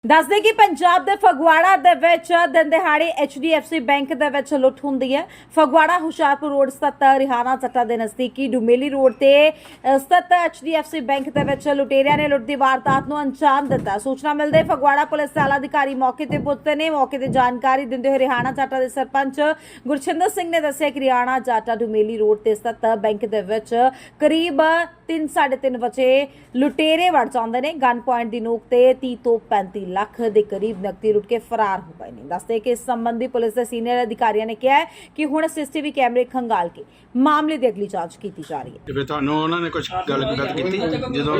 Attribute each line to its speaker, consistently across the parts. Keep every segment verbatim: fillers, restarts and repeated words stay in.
Speaker 1: ਦੱਸ ਦੇ ਕਿ ਪੰਜਾਬ ਦੇ ਫਗਵਾੜਾ ਦੇ ਵਿੱਚ ਦਿਨ ਦਿਹਾੜੇ H D F C bank ਦੇ ਵਿੱਚ ਲੁੱਟ ਹੁੰਦੀ ਹੈ। ਫਗਵਾੜਾ ਹੁਸ਼ਿਆਰਪੁਰ ਰੋਡ ਸਥਿਤ ਰਿਹਾਨਾ ਚੱਟਾ ਦੇ ਨਜ਼ਦੀਕੀ ਡੁਮੇਲੀ ਰੋਡ ਤੇ ਸਥਿਤ H D F C bank ਦੇ ਵਿੱਚ ਲੁਟੇਰਿਆਂ ਨੇ ਲੁੱਟ ਦੀ ਵਾਰਦਾਤ ਨੂੰ ਅੰਜਾਮ ਦਿੱਤਾ। ਸੂਚਨਾ ਮਿਲਦੇ ਫਗਵਾੜਾ ਪੁਲਿਸ ਦੇ ਆਲਾ ਅਧਿਕਾਰੀ ਮੌਕੇ ਤੇ ਪੁੱਜੇ ਨੇ। ਮੌਕੇ ਤੇ ਜਾਣਕਾਰੀ ਦਿੰਦੇ ਹੋਏ ਰਿਹਾਨਾ ਚੱਟਾ ਦੇ ਸਰਪੰਚ ਗੁਰਚਿੰਦਰ ਸਿੰਘ ਨੇ ਦੱਸਿਆ ਕਿ ਰਿਹਾਨਾ ਚੱਟਾ ਡੁਮੇਲੀ ਰੋਡ ਤੇ ਸਥਿਤ ਬੈਂਕ ਦੇ ਵਿੱਚ ਕਰੀਬ ਤਿੰਨ ਸਾਢੇ ਤਿੰਨ ਵਜੇ ਲੁਟੇਰੇ ਵੜ ਜਾਂਦੇ ਨੇ। ਗਨ ਪੁਆਇੰਟ ਦੀ ਨੋਕ ਤੇ ਤੀਹ ਤੋਂ ਪੈਂਤੀ ਲੱਖ ਦੇ ਕਰੀਬ ਨਕਦੀ ਲੁੱਟ ਕੇ ਫਰਾਰ ਹੋ ਗਏ ਨੇ। ਦੱਸਦੇ ਕਿ ਇਸ ਸੰਬੰਧੀ ਪੁਲਿਸ ਦੇ ਸੀਨੀਅਰ ਅਧਿਕਾਰੀਆਂ ਨੇ ਕਿਹਾ ਕਿ ਹੁਣ ਸੀਸੀਟੀਵੀ ਕੈਮਰੇ ਖੰਗਾਲ ਕੇ ਮਾਮਲੇ ਦੀ ਅਗਲੀ ਜਾਂਚ ਕੀਤੀ ਜਾ ਰਹੀ ਹੈ।
Speaker 2: ਤੇ ਤੁਹਾਨੂੰ ਉਹਨਾਂ ਨੇ ਕੁਝ ਗੱਲ ਗੱਲ ਕੀਤੀ ਜਦੋਂ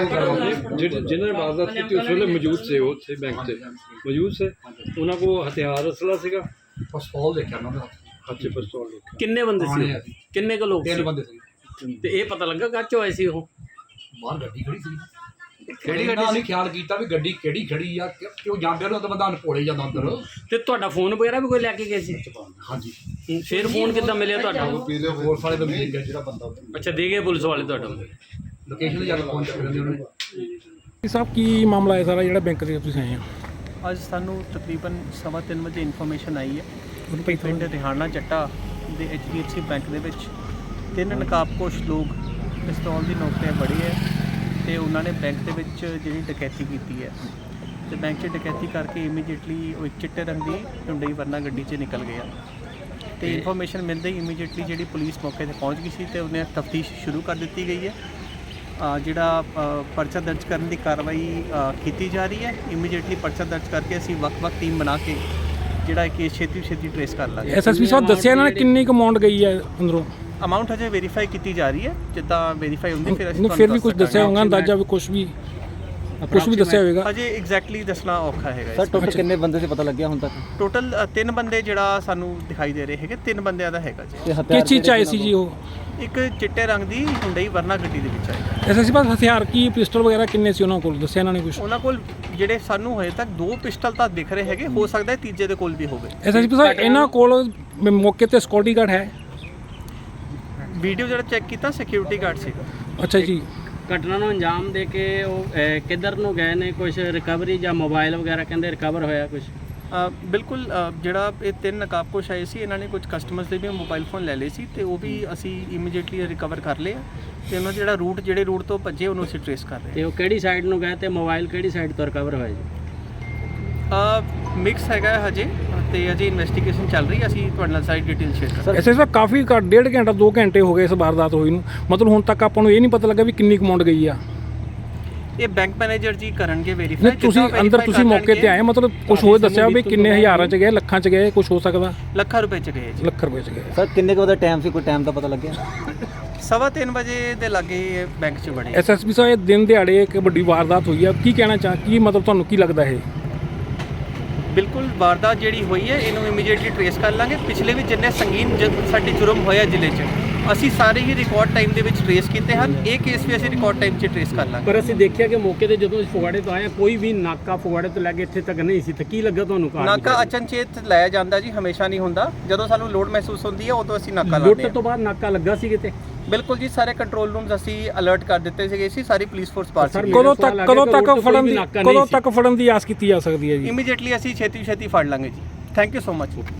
Speaker 3: जिन्होंने वारदात की थी उस वेले मौजूद से वो थे बैंक से मौजूद से उन्होंने को हथियार असला ਸੀਗਾ
Speaker 4: ਪਿਸਤੌਲ ਦੇਖਿਆ ਉਹਨਾਂ ਦਾ
Speaker 3: ਹੱਥੇ ਪਿਸਤੌਲ ਦੇਖਿਆ।
Speaker 5: ਕਿੰਨੇ ਬੰਦੇ ਸੀ ਉਹ? ਕਿੰਨੇ ਕੁ ਲੋਕ
Speaker 4: ਤਿੰਨ
Speaker 5: ਸੀ
Speaker 4: ਬੰਦੇ ਸੀ
Speaker 5: ਤੇ ਇਹ ਪਤਾ ਲੱਗਾ ਕੱਚ ਹੋਏ ਸੀ ਉਹ?
Speaker 4: ਬਾਹਰ ਗੱਡੀ ਖੜੀ ਸੀ ਕਿਹੜੀ ਗੱਡੀ ਸੀ ਖਿਆਲ ਕੀਤਾ ਵੀ ਗੱਡੀ ਕਿਹੜੀ ਖੜੀ ਆ ਕਿ- ਕਿਉਂ ਜਾਂਦੇ ਨੂੰ ਤਾਂ ਬੰਦਾ ਅਨਪੋਲੇ ਜਾਂਦਾ ਅੰਦਰ।
Speaker 5: ਤੇ ਤੁਹਾਡਾ ਫੋਨ ਵਗੈਰਾ ਵੀ ਕੋਈ ਲੈ ਕੇ ਗਏ ਸੀ?
Speaker 4: ਹਾਂਜੀ
Speaker 5: ਫਿਰ ਫੋਨ ਕਿੱਦਾਂ ਮਿਲਿਆ ਤੁਹਾਡਾ?
Speaker 4: ਪੁਲਿਸ ਵਾਲੇ ਬੰਦੇ ਨੇ ਜਿਹੜਾ ਬੰਦਾ
Speaker 5: ਅੱਛਾ, ਦੇ ਗਏ ਪੁਲਿਸ ਵਾਲੇ ਤੁਹਾਡਾ?
Speaker 4: ਲੋਕੇਸ਼ਨ ਤੇ ਜਾ ਕੇ ਫੋਨ ਚੱਕ ਲੈਂਦੇ ਉਹਨਾਂ ਨੇ।
Speaker 6: ਸਾਹਿਬ ਕੀ ਮਾਮਲਾ ਹੈ ਸਾਰਾ ਜਿਹੜਾ ਬੈਂਕ ਦੇ ਤੁਸੀਂ ਆਏ ਹੋ?
Speaker 7: ਅੱਜ ਸਾਨੂੰ ਤਕਰੀਬਨ ਸਵਾ ਤਿੰਨ ਵਜੇ ਇਨਫੋਰਮੇਸ਼ਨ ਆਈ ਹੈ
Speaker 6: ਉਹਨੂੰ ਭਾਈ
Speaker 7: ਪਿੰਡ ਰਿਹਾਨਾ ਚੱਟਾ ਦੇ H D F C bank ਦੇ ਵਿੱਚ ਤਿੰਨ ਨਕਾਬਪੋਸ਼ ਲੋਕ ਪਿਸਤੌਲ ਦੀ ਨੋਕ ਤੇ ਬੜੇ ਹੈ ਤੇ ਉਹਨਾਂ ਨੇ ਬੈਂਕ ਦੇ ਵਿੱਚ ਜਿਹੜੀ ਡਕੈਤੀ ਕੀਤੀ ਹੈ ਤੇ ਬੈਂਕ 'ਚ ਡਕੈਤੀ ਕਰਕੇ ਇਮੀਡੀਏਟਲੀ ਉਹ ਇੱਕ ਚਿੱਟੇ ਰੰਗ ਦੀ ਹੁੰਡਈ ਵਰਨਾ ਗੱਡੀ 'ਚ ਨਿਕਲ ਗਿਆ ਤੇ ਇਨਫੋਰਮੇਸ਼ਨ ਮਿਲਦੇ ਹੀ ਇਮੀਡੀਏਟਲੀ ਜਿਹੜੀ ਪੁਲਿਸ ਮੌਕੇ ਤੇ ਪਹੁੰਚ ਗਈ ਸੀ ਤੇ ਉਹਨੇ ਤਫਤੀਸ਼ ਸ਼ੁਰੂ ਕਰ ਦਿੱਤੀ ਗਈ ਹੈ। ਅ, ਜਿਹੜਾ ਅ, ਪਰਚਾ ਦਰਜ ਕਰਨ ਦੀ ਕਾਰਵਾਈ ਅ, ਕੀਤੀ ਜਾ ਰਹੀ ਹੈ। ਇਮੀਡੀਏਟਲੀ ਪਰਚਾ ਦਰਜ ਕਰਕੇ ਅਸੀਂ ਵੱਖ-ਵੱਖ ਟੀਮ ਬਣਾ ਕੇ ਜਿਹੜਾ ਇਹ ਕੇਸ ਛੇਤੀ ਛੇਤੀ ਟ੍ਰੇਸ ਕਰ ਲਾਂਗੇ।
Speaker 6: ਐਸ ਐਸ ਪੀ ਸਾਹਿਬ ਦੱਸਿਆ ਇਹਨਾਂ ਨੇ ਕਿੰਨੀ ਕੁ ਅਮਾਉਂਟ ਗਈ ਹੈ ਅੰਦਰੋਂ?
Speaker 7: ਅਮਾਊਂਟ ਹਜੇ ਵੈਰੀਫਾਈ ਕੀਤੀ ਜਾ ਰਹੀ ਹੈ, ਜਿੱਦਾਂ ਵੈਰੀਫਾਈ ਹੁੰਦੀ ਫਿਰ ਅਸੀਂ
Speaker 6: ਨਹੀਂ, ਫਿਰ ਵੀ ਕੁਝ ਦੱਸਿਆ ਹੋਊਗਾ ਅੰਦਾਜ਼ਾ ਵੀ ਕੁਝ ਵੀ ਕੁਝ ਵੀ ਦੱਸਿਆ ਹੋਵੇਗਾ?
Speaker 7: ਹਜੇ ਐਗਜ਼ੈਕਟਲੀ ਦੱਸਣਾ ਔਖਾ ਹੈਗਾ।
Speaker 8: ਸਰ ਟੋਟਲ ਕਿੰਨੇ ਬੰਦੇ ਸੀ ਪਤਾ ਲੱਗਿਆ ਹੁਣ ਤੱਕ?
Speaker 7: ਟੋਟਲ ਤਿੰਨ ਬੰਦੇ ਜਿਹੜਾ ਸਾਨੂੰ ਦਿਖਾਈ ਦੇ ਰਹੇ ਹੈਗੇ, ਤਿੰਨ ਬੰਦਿਆਂ ਦਾ ਹੈਗਾ ਜੀ।
Speaker 8: ਤੇ ਹਥਿਆਰ
Speaker 6: ਕਿਸ ਚੀਜ਼ ਚ ਆਏ ਸੀ ਜੀ ਉਹ?
Speaker 7: ਇੱਕ ਚਿੱਟੇ ਰੰਗ ਦੀ ਹੁੰਡਈ ਵਰਨਾ ਗੱਡੀ ਦੇ ਵਿੱਚ ਆਏਗਾ।
Speaker 6: ਐਸ ਐਸ ਪੀ ਸਾਹਿਬ ਹਥਿਆਰ ਕੀ ਪਿਸਟਲ ਵਗੈਰਾ ਕਿੰਨੇ ਸੀ ਉਹਨਾਂ ਕੋਲ? ਦੱਸਿਆ ਇਹਨਾਂ ਨੇ ਕੁਝ?
Speaker 7: ਉਹਨਾਂ ਕੋਲ ਜਿਹੜੇ ਸਾਨੂੰ ਹਜੇ ਤੱਕ ਦੋ ਪਿਸਟਲ ਤਾਂ ਦਿਖ ਰਹੇ ਹੈਗੇ, ਹੋ ਸਕਦਾ ਹੈ ਤੀਜੇ ਦੇ ਕੋਲ ਵੀ ਹੋਵੇ।
Speaker 6: ਐਸ ਐਸ ਪੀ ਸਾਹਿਬ ਇਹਨਾਂ ਕੋਲ ਮੌਕੇ ਤੇ ਸਿਕਿਉਰਿਟੀ ਗਾਰਡ ਹੈ?
Speaker 7: ਵੀਡੀਓ ਜਿਹੜਾ ਚੈੱਕ ਕੀਤਾ ਸਿਕਿਉਰਿਟੀ ਗਾਰਡ ਸੀਗਾ।
Speaker 6: ਅੱਛਾ ਜੀ।
Speaker 5: ਘਟਨਾ ਨੂੰ ਅੰਜਾਮ ਦੇ ਕੇ ਉਹ ਅਹ, ਕਿੱਧਰ ਨੂੰ ਗਏ ਨੇ? ਕੁਝ ਰਿਕਵਰੀ ਜਾਂ ਮੋਬਾਈਲ ਵਗੈਰਾ ਕਹਿੰਦੇ ਰਿਕਵਰ ਹੋਇਆ ਕੁਝ?
Speaker 7: ਅ, ਬਿਲਕੁਲ ਅ, ਜਿਹੜਾ ਇਹ ਤਿੰਨ ਨਕਾਬਪੋਸ਼ ਆਏ ਸੀ ਇਹਨਾਂ ਨੇ ਕੁਝ ਕਸਟਮਰਸ ਦੇ ਵੀ ਮੋਬਾਈਲ ਫੋਨ ਲੈ ਲਏ ਸੀ ਤੇ ਉਹ ਵੀ ਅਸੀਂ ਇਮੀਡੀਏਟਲੀ ਰਿਕਵਰ ਕਰ ਲਏ ਆ ਤੇ ਉਹਨਾਂ ਦਾ ਜਿਹੜਾ ਰੂਟ ਜਿਹੜੇ ਰੂਟ ਤੋਂ ਭੱਜੇ ਉਹਨੂੰ ਅਸੀਂ ਟ੍ਰੇਸ ਕਰ ਰਹੇ
Speaker 5: ਤੇ ਉਹ ਕਿਹੜੀ ਸਾਈਡ ਨੂੰ ਗਏ ਤੇ ਮੋਬਾਈਲ ਕਿਹੜੀ ਸਾਈਡ ਤੋਂ ਰਿਕਵਰ ਹੋਇਆ ਜੀ?
Speaker 7: ਹਾਂ। ਮਿਕਸ ਹੈਗਾ ਹੈ ਹਜੇ ਤੇ ਅਜੇ ਇਨਵੈਸਟੀਗੇਸ਼ਨ ਚੱਲ ਰਹੀ ਹੈ, ਅਸੀਂ ਤੁਹਾਡੇ ਨਾਲ ਸਾਰੀ ਡਿਟੇਲ ਸ਼ੇਅਰ ਕਰਾਂਗੇ।
Speaker 6: ਐਸ ਐਸ ਪੀ ਕਾਫੀ ਘੱਟ ਡੇਢ ਘੰਟਾ ਦੋ ਘੰਟੇ ਹੋ ਗਏ ਇਸ ਵਾਰਦਾਤ ਹੋਈ ਨੂੰ, ਮਤਲਬ ਹੁਣ ਤੱਕ ਆਪਾਂ ਨੂੰ ਇਹ ਨਹੀਂ ਪਤਾ ਲੱਗਾ ਵੀ ਕਿੰਨੀ ਕੁ ਅਮਾਉਂਟ ਗਈ ਆ।
Speaker 7: ਇਹ ਬੈਂਕ ਮੈਨੇਜਰ ਜੀ ਕਰਨਗੇ
Speaker 6: ਨਹੀਂ,
Speaker 7: ਵੈਰੀਫਾਈ।
Speaker 6: ਤੁਸੀਂ ਅੰਦਰ ਤੁਸੀਂ ਮੌਕੇ ਤੇ ਆਏ, ਮਤਲਬ ਕੁਝ ਹੋਰ ਦੱਸਿਆ ਵੀ ਕਿੰਨੇ ਹਜ਼ਾਰਾਂ ਚ ਗਏ, ਲੱਖਾਂ ਚ ਗਏ, ਕੁਝ ਹੋ ਸਕਦਾ?
Speaker 7: ਲੱਖਾਂ ਰੁਪਏ ਚ ਗਏ ਜੀ।
Speaker 6: ਲੱਖ ਰੁਪਏ ਚ ਗਏ।
Speaker 8: ਸਰ ਕਿੰਨੇ ਕੁ ਵਜੇ ਟਾਈਮ ਸੀ, ਕੋਈ ਟਾਈਮ ਦਾ ਪਤਾ ਲੱਗਿਆ?
Speaker 7: ਸਵਾ ਤਿੰਨ ਵਜੇ ਦੇ ਲਾਗੇ ਬੈਂਕ ਚ ਬੜੇ।
Speaker 6: ਐਸ ਐਸ ਪੀ ਸਾਹਿਬ ਇਹ ਦਿਨ ਦਿਹਾੜੇ ਇੱਕ ਵੱਡੀ ਵਾਰਦਾਤ ਹੋਈ ਆ, ਕੀ ਕਹਿਣਾ ਚਾਹ ਕੀ ਮਤਲਬ ਤੁਹਾਨੂੰ ਕੀ ਲੱਗਦਾ ਇਹ?
Speaker 7: ਬਿਲਕੁਲ ਵਾਰਦਾਤ ਜਿਹੜੀ ਹੋਈ ਹੈ ਇਹਨੂੰ ਇਮੀਡੀਏਟਲੀ ਟ੍ਰੇਸ ਕਰ ਲਾਂਗੇ। ਪਿਛਲੇ ਵੀ ਜਿੰਨੇ ਸੰਗੀਨ ਜ- ਸਾਡੇ ਜੁਰਮ ਹੋਇਆ ਜ਼ਿਲ੍ਹੇ 'ਚ ਅਸੀਂ ਸਾਰੇ ਹੀ ਰਿਕਾਰਡ ਟਾਈਮ ਦੇ ਵਿੱਚ ਟ੍ਰੇਸ ਕੀਤੇ ਹਨ। ਇਹ ਕੇਸ ਵੀ ਅਸੀਂ ਰਿਕਾਰਡ ਟਾਈਮ 'ਚ ਟ੍ਰੇਸ ਕਰ ਲਾਂਗੇ।
Speaker 5: ਪਰ ਅਸੀਂ ਦੇਖਿਆ ਕਿ ਮੌਕੇ ਤੇ ਜਦੋਂ ਅਸੀਂ ਫਗਵਾੜੇ ਤੋਂ ਆਏ ਕੋਈ ਵੀ ਨਾਕਾ ਫਗਵਾੜੇ ਤੋਂ ਲੈ ਕੇ ਇੱਥੇ ਤੱਕ ਨਹੀਂ ਸੀ, ਤੇ ਕੀ ਲੱਗਾ ਤੁਹਾਨੂੰ? ਕਾਰ
Speaker 7: ਨਾਕਾ ਅਚਨਚੇਤ ਲਾਇਆ ਜਾਂਦਾ ਜੀ, ਹਮੇਸ਼ਾ ਨਹੀਂ ਹੁੰਦਾ। ਜਦੋਂ ਸਾਨੂੰ ਲੋਡ ਮਹਿਸੂਸ ਹੁੰਦੀ ਹੈ ਉਦੋਂ ਅਸੀਂ ਨਾਕਾ ਲਾਉਂਦੇ
Speaker 5: ਲੁੱਟ
Speaker 7: ਹਾਂ।
Speaker 5: ਤੋਂ ਬਾਅਦ ਨਾਕਾ ਲੱਗਾ ਸੀ ਕਿਤੇ?
Speaker 7: ਬਿਲਕੁਲ ਜੀ, ਸਾਰੇ ਕੰਟਰੋਲ ਰੂਮਸ ਅਸੀਂ ਅਲਰਟ ਕਰ ਦਿੱਤੇ ਸੀਗੇ ਸੀ, ਸਾਰੀ ਪੁਲਿਸ ਫੋਰਸ ਪਾਰ ਸੀ।
Speaker 6: ਕਦੋਂ ਤੱਕ ਕਦੋਂ ਤੱਕ ਫੜਨ ਦੀ ਕਦੋਂ ਤੱਕ ਫੜਨ ਦੀ ਆਸ ਕੀਤੀ ਜਾ ਸਕਦੀ ਹੈ ਜੀ?
Speaker 7: ਇਮੀਡੀਏਟਲੀ ਅਸੀਂ ਛੇਤੀ ਛੇਤੀ ਫੜ ਲਾਂਗੇ ਜੀ। Thank you so much.